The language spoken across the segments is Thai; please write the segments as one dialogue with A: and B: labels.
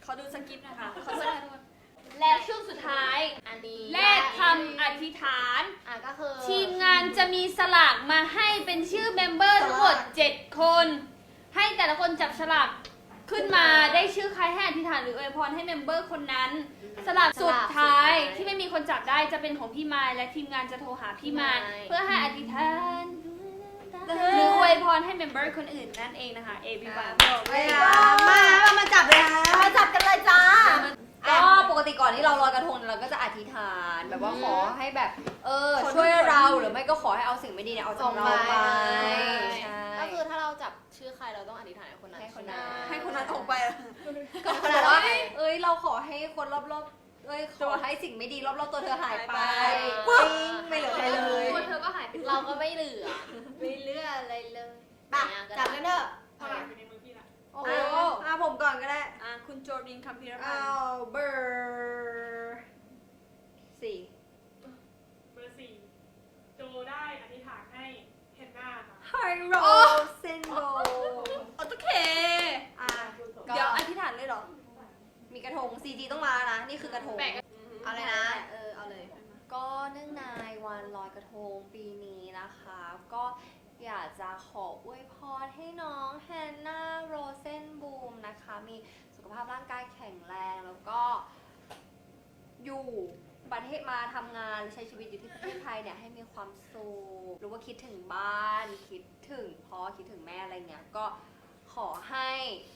A: เขาดูสคริปต์นะคะเขาสคริปต์
B: และช่วงสุดท้าย
C: อันนี้
B: เลขคำอธิษฐาน
C: ก็คือ
B: ทีมงานจะมีสลากมาให้เป็นชื่อเมมเบอร์ทั้งหมด7 คน ให้แต่ละคนจับสลากขึ้นมาได้ชื่อใครให้อธิษฐานหรืออวยพรให้เมมเบอร์คนนั้น สลากสุดท้ายที่ไม่มีคนจับได้จะเป็นของพี่มายและทีมงานจะโทรหาพี่มายเพื่อให้อธิษฐานหรืออวยพรให้เมมเบอร์คนอื่นนั่นเองนะคะ everyone
A: มาจับเลยค่ะ
C: มาจับกันเลยจ้า
A: ก็ปกติก่อนที่เราลอยกระทงเราก็จะอธิษฐานแบบว่าขอให้แบบช่วยเราหรือไม่ก็ขอให้เอาสิ่งไม่ดีเนี่ยเอาจากเราไป
C: ก็คือถ้าเราจับชื่อใครเราต้องอธิษฐานให้คนนั้น
A: ให้คนนั้นออกไป
C: ก็
A: ก็
C: ข
A: บ
C: นา
A: อ
C: ด
A: ก
C: ว่า
A: ว่าเราขอให้คนรอบๆขอให้สิ่งไม่ดีรอบๆตัวเธอหายไป
C: ปึ้
A: ปิ้
C: ง
A: งไม่เหลือใครเลย
B: ตัวเธอก็หายไป
C: เราก็ไม่เหลือ
A: ไม่เหลืออะไรเลย
C: จับกันเถอะ
D: เท่าไหร่อยู่ในมือพี่ละ
A: โอ้ผมก่อนก็ได้
B: คุณโจดินคัมพีรพัน
A: เอา
B: ธ์
A: เบอร์4
D: เบอร์ 4โจได้อธิษฐานให้เฮนน่าค่ะ
A: ไฮโรเซนโบ
B: โอเค
A: เดี๋ยวอธิษฐานเลยเหรอ มีกระทง CG ต้องมานะ นี่คือกระทง
C: เอาเลยนะเอาเลย
A: ก็เนื่องในวันลอยกระทงปีนี้นะคะ ก็อยากจะขออวยพรให้น้องแฮนนาโรเซนบูมนะคะ มีสุขภาพร่างกายแข็งแรงแล้วก็อยู่ประเทศมาทำงานหรือใช้ชีวิตอยู่ที่ประเทศไทยเนี่ยให้มีความสุขหรือว่าคิดถึงบ้านคิดถึงพ่อคิดถึงแม่อะไรเงี้ยก็ขอให้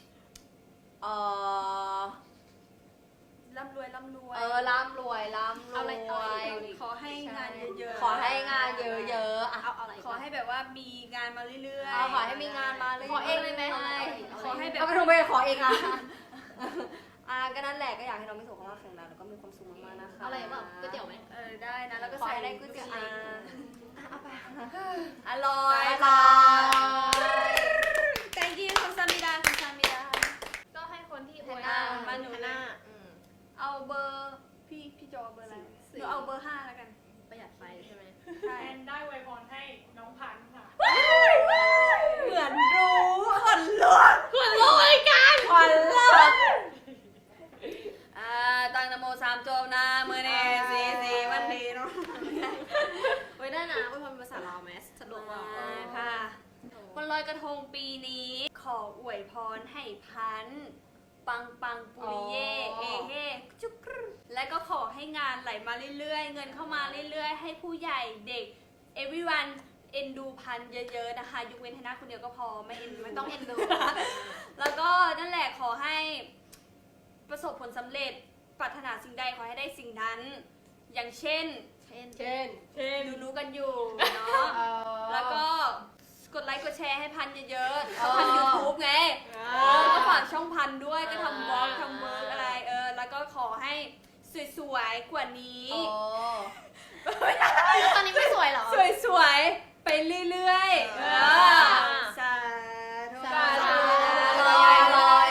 B: ร่ำรวยร่ำรวย
A: ร่ำรวย
B: เอาอะไรขอให้งานเยอะๆ
A: ขอให้งานเยอะๆอ่ะ
C: เอาอะไร
B: ขอให้แบบว่ามีงานมาเรื่อย
A: ขอให้มีงานมาเลย
C: ขอเองเลยไหม
B: ขอให้แบบ
A: เอากระทงไปขอเองอ่ะก็นั่นแหละก็อยากให้น้องมีสุขภาพแข็งแรงแล้วก็มีความสุขมากๆนะคะ
C: อะไรแบบก๋วยเตี๋ยวไหม
B: ได้นะแล้วก็
A: ขอ
B: ใส่
A: ให้ได้ก๋วยเตี๋ยวเอาไป
B: อร่อย
A: บาย
B: thank you คุณซามิดาคุณซามิดา
C: ก็ให้คนที่อวย
B: มาหนู
C: หน้า
B: เอาเบอร์พี่จอเบอร์อะไรหนูเอาเบอร์5แล้วกัน
C: ประหยัดไฟใช่ไหม
B: ใช่
D: แอนได้ไวยพรให้น้องพันธุ์ค่ะ
A: เหมือนรู้คนลุก
C: คุณรู้ไอ้กัน
A: คนลุก
B: ตั้งนโม3 จบนะมือเนสีวันดีเนาะ
C: ไว้ได้นะไว้พรภาษาลาวไหมสะดวกว่า
B: ค่ะวันลอยกระทงปีนี้ขออวยพรให้พันธุ์ปังปังปุริเย่เอเฮจุกรึและก็ขอให้งานไหลมาเรื่อยๆ เงินเข้ามาเรื่อยๆ ให้ผู้ใหญ่เด็ก everyone เอ็นดูพันธุ์เยอะๆนะคะยกเว้นให้หน้าคนเดียวก็พอไม่ต้องเอ็นดู แล้วก็นั่นแหละขอให้ประสบผลสำเร็จปรารถนาสิ่งใดขอให้ได้สิ่งนั้น อย่างเช่นรู้กันอยู่เนาะแล้วก็กดไลค์กดแชร์ให้พันเยอะๆเขาพัน YouTube ไงก็ฝากช่องพันด้วยก็ทำบล็อกทำเวิร์กอะไรแล้วก็ขอให้สวยๆกว่านี้
C: ตอนนี้ไม่สวยเหรอ
B: สวยๆไปเรื่อยๆสาธุ
C: สาธุ
A: ลอย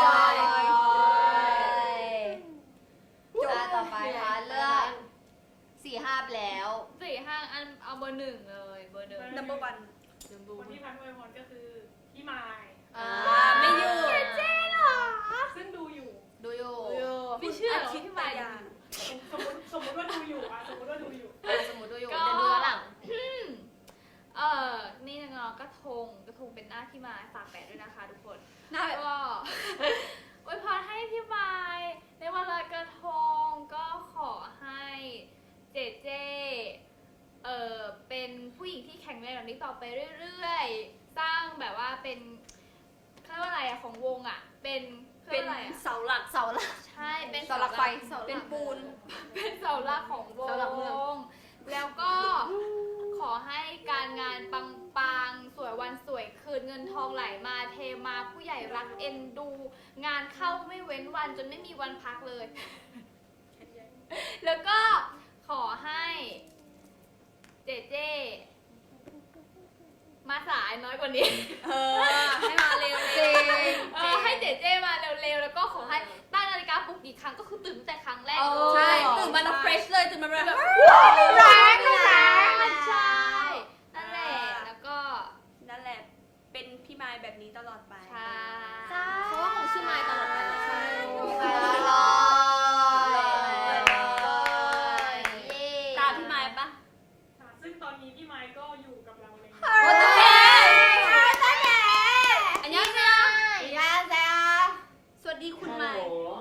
A: ต่อไปค่ะเลือก4-5ไปแล้ว
C: 4-5 อันเอาเบอร์ 1เลยเบอร์ 1
B: number one
D: คนที่พันธุ์อวยพรก็คือพี่มาย
B: ไม่อยู่
D: ซึ่งดูอยู่
C: ดูอยู่
B: ไม่เชื่อคิดไปอย่าง
D: สมมติว่าดูอยู่สมมติว่าดูอยู่
C: สมมติดูอยู่เดี๋ยวดูย้อนหลัง นี่เนาะกระทงเป็นหน้าที่มาฝากแปะด้วยนะคะทุกคน
B: หน้าแบบ
C: ก็ อวยพรให้พี่มายในวันลอยกระทงก็ขอให้เจเจเป็นผู้หญิงที่แข็งแรงแบบนี้ต่อไปเรื่อยๆ สร้างแบบว่าเป็นเขาเรียกว่าอะไรอะของวงอะเป็นเขา
B: เป็
C: เรีย
B: น
C: กว่าอะไรอะ
B: เสาหลัก
C: ใช่เป็น
A: เสาหลักไฟ
B: เป็นปูน
C: เป็นเสาหลักของว
A: เสาหลักเมือง
C: งแล้วก็ขอให้การงานปังๆสวยวันสวยคืนเงินทองไหลมาเทมาผู้ใหญ่รักเอ็นดู งานเข้าไม่เว้นวันจนไม่มีวันพักเลย แล้วก็ขอให้เจเจมาสายน้อยกว่านี้
B: ให้มาเร็ว
A: จริง
C: ให้เจเจมาเร็วๆแล้วก็ขอให้ตั้งนาฬิกาปลุกกี่ครั้งก็คือตื่นตั้งแต่ครั้งแรกเลย
B: ใช่ตื่นมาแล้วเฟรชเลยตื่นมาแบบ
C: แรงใช่นั่นแหละแล้วก็
B: นั่นแหละเป็นพี่มายแบบนี้ตลอดไป
C: ใช่เพราะว่าของชื่อไมค์ตลอดไปเลย
A: ใช่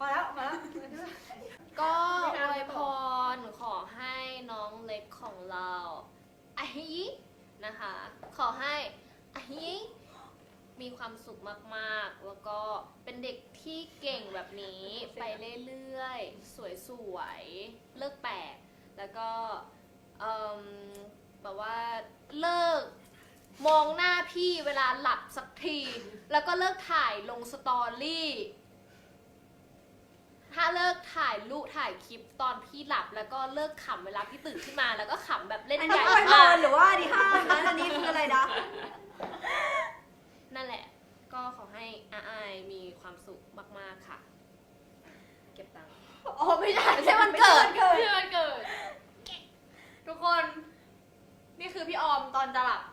E: พอแล้วพอแล้ว
A: ก็อวยพรขอให้น้องเล็กของเราอะฮินะคะ ขอให้อะฮิมีความสุขมากๆ แล้วก็เป็นเด็กที่เก่งแบบนี้ไปเรื่อยๆ สวยๆ เลิกแปลกแล้วก็แบบว่าเลิกมองหน้าพี่เวลาหลับสักที แล้วก็เลิกถ่ายลงสตอรี่ ถ้าเลิกถ่ายรูปถ่ายคลิปตอนพี่หลับแล้วก็เลิกขำเวลาพี่ตื่นขึ้นมาแล้วก็ขำแบบเล่น
E: อัน
A: ให
E: นี้
A: ญ่
E: อวยพ
A: มาก
E: รหรือว่าดีห้ามนะอันนี้คืออะไรนะ
A: นั่นแหละ ก็ขอให้อาอายมีความสุขมากๆค่ะ เก็บตังค์กิด
C: ที่วันเกิด
E: ทุกคน นี่คือพี่ออมตอนจะหลับ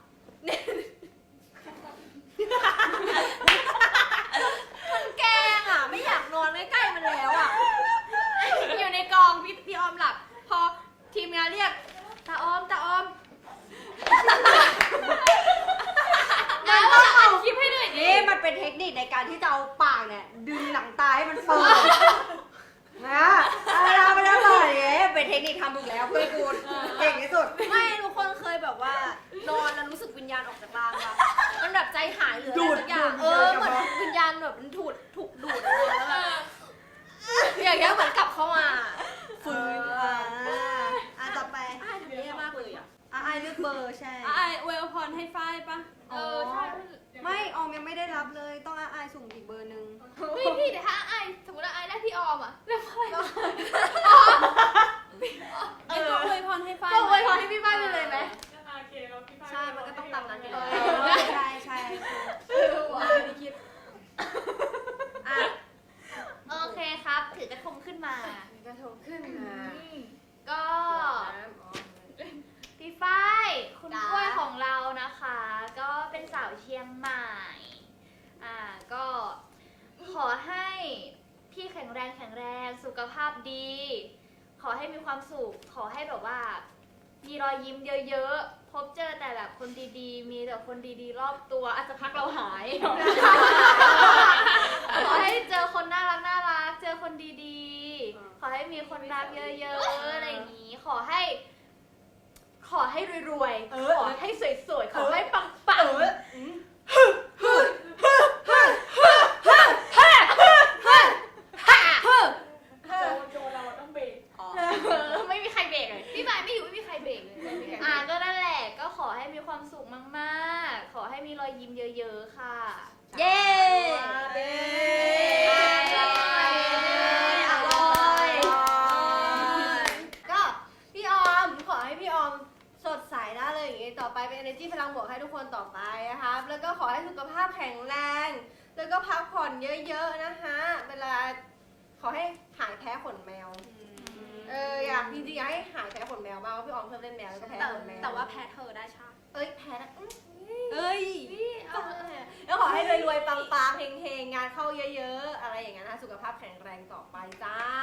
E: มันแกล้งอ่ะ ไม่อยากนอนใกล้ๆมันแล้วอ่ะ อยู่ในกองพี่ออมหลับ พอทีมงานเรียกตาออม
C: แล้วว่าอัดคลิปให้หน่อยดิ
E: นี่มันเป็นเทคนิคในการที่จะเอาปากเนี่ย ดึงหนังตาให้มันเปิดนะไม่ได้เลยเป็นเทคนิคทำถูกแล้วเพื่อนกูเก่งที่สุด ไม่ทุกคนเคยแบบว่านอนแล้วรู้สึกวิญญาณออกจากร่างปะมันแบบใจหายหรืออะไรสักอย่างเหมือนวิญญาณแบบมันถูกดูดอะไรแล้วแบบอย่างเงี้ยเหมือนกลับเข้ามาฟื้นต่อไปเยอะมากเลยอ่ะไอเลือกเบอร์ใช่
B: ไออวยพรให้ฝ้ายปะ
C: ใช่
E: ไม่ออมยังไม่ได้รับเลยต้องไอสุ่มอีกเบอร์หนึ่ง
C: พี่เดี๋ยวถ้าไอสมมติว่าไอได้พี่ออมอ่ะเรื่องอะไร
B: ไอก็อวยพรให้ฝ้าย
C: ก็อวยพรให้พี่บ้านไปเลยไหม
D: โอเคแล้วพี่ฝ้าย
E: ใช่ มันก็ต้องตามนั้นอยู่
D: เล
E: แล้ว
D: ย
E: ใช่ไม่คิด
C: โอเคครับ ถือกระทงขึ้นมา
E: กระทงขึ้นมา
C: ก็พี่ฝ้ายคุณกล้วยของเรานะคะ ก็เป็นสาวเชียงใหม่ก็ขอให้พี่แข็งแรงสุขภาพดี ขอให้มีความสุขขอให้แบบว่า มีรอยยิ้มเยอะๆพบเจอแต่แบบคนดีๆ มีแต่คนดีๆรอบตัวอาจจะพักเราหาย ขอให้เจอคนน่ารักเจอคนดีๆ ขอให้มีคนรักเยอะๆอะไรอย่างนี้ ขอให้รวยๆ ขอให้สวยๆ ขอให้ปัง
D: โจเราต้องเบรก
C: ๆ ไม่มีใครเบรกเลยพี่หมายไม่อยู่ไม่มีใครเบรกเลยก็นั่นแหละก็ขอให้มีความสุขมากๆ ขอให้มีรอยยิ้มเยอะๆ ค่ะ
E: เย้อร่อยก็พี่ออมขอให้พี่ออมสดใสนะเลยอย่างงี้ต่อไปเป็น energy พลังบวกให้ทุกคนต่อไปนะคะแล้วก็ขอให้สุขภาพแข็งแรงแล้วก็พักผ่อนเยอะๆนะคะเวลาขอให้หายแพ้ขนแมวอยากจริงๆอยากให้หายแพ้ขนแมวบ้างเพราะพี่ออมชอบเล่นแมวแล้วก็แพ้ขนแมว
B: แต่ว่าแพ้เธอได้ชา
E: แพ้นะ
B: เอ้ย
E: แล้วขอให้รวยๆปังๆเฮงๆงานเข้าเยอะๆอะไรอย่างเงี้ยนะสุขภาพแข็งแรงต่อไปจ้า